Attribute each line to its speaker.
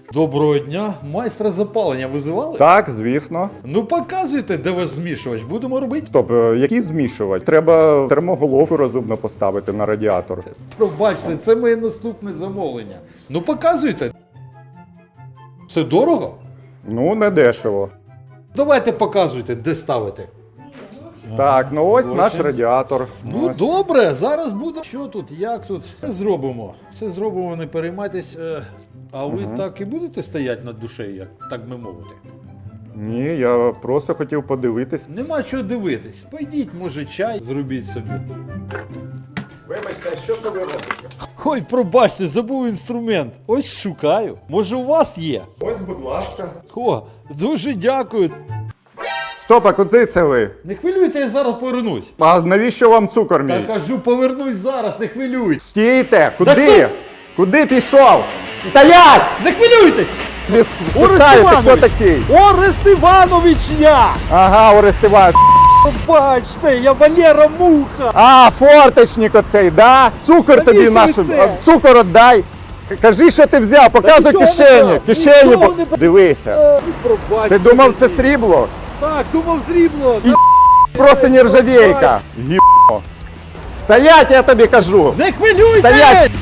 Speaker 1: Доброго дня. Майстра запалення визивали?
Speaker 2: Так, звісно.
Speaker 1: Ну показуйте, де ваш змішувач. Будемо робити.
Speaker 2: Стоп, який змішувач? Треба термоголовку розумно поставити на радіатор.
Speaker 1: Пробачте, це моє наступне замовлення. Ну показуйте. Це дорого?
Speaker 2: Ну, не дешево.
Speaker 1: Давайте показуйте, де ставити.
Speaker 2: Так, ну ось
Speaker 1: Ось
Speaker 2: наш
Speaker 1: він.
Speaker 2: радіатор.
Speaker 1: Ну
Speaker 2: Ось.
Speaker 1: добре, зараз буде. Що тут, як тут? Все зробимо. Все зробимо, не переймайтесь. А ви так і будете стояти над душею, як так би мовити?
Speaker 2: Ні, я просто хотів подивитись.
Speaker 1: Нема чого дивитись. Пойдіть, може, чай зробіть собі.
Speaker 2: Вибачте, що це ви робите?
Speaker 1: Ой, пробачте, забув інструмент. Ось шукаю. Може, у вас є?
Speaker 2: Ось, будь ласка.
Speaker 1: О, дуже дякую.
Speaker 2: Стоп, а куди це ви?
Speaker 1: Не хвилюйте, я зараз повернусь.
Speaker 2: А навіщо вам цукор
Speaker 1: Я
Speaker 2: мій?
Speaker 1: кажу, повернусь зараз, не хвилюйтесь.
Speaker 2: Стійте!
Speaker 1: Так
Speaker 2: Куди?
Speaker 1: це-
Speaker 2: Куди пішов? Стоять!
Speaker 1: Не хвилюйтесь!
Speaker 2: Ви
Speaker 1: Орест
Speaker 2: питаєте, хто
Speaker 1: Іванович!
Speaker 2: такий?
Speaker 1: Орест Іванович я!
Speaker 2: Ага, Орест Іванович.
Speaker 1: Бачте, я Валера Муха!
Speaker 2: А, форточник оцей, да? Цукор тобі
Speaker 1: Навіщо
Speaker 2: нашу.
Speaker 1: це?
Speaker 2: Цукор отдай. Кажи, що ти взяв, показуй
Speaker 1: нічого не
Speaker 2: кишені.
Speaker 1: брав,
Speaker 2: Кишені.
Speaker 1: нічого не брав.
Speaker 2: Дивися.
Speaker 1: Пробачте.
Speaker 2: Ти думав, це срібло?
Speaker 1: Так, думав зрібло.
Speaker 2: Просто нержавейка. Гібно. Стоять, я тобі кажу.
Speaker 1: Не хвилюйтесь!
Speaker 2: Стоять!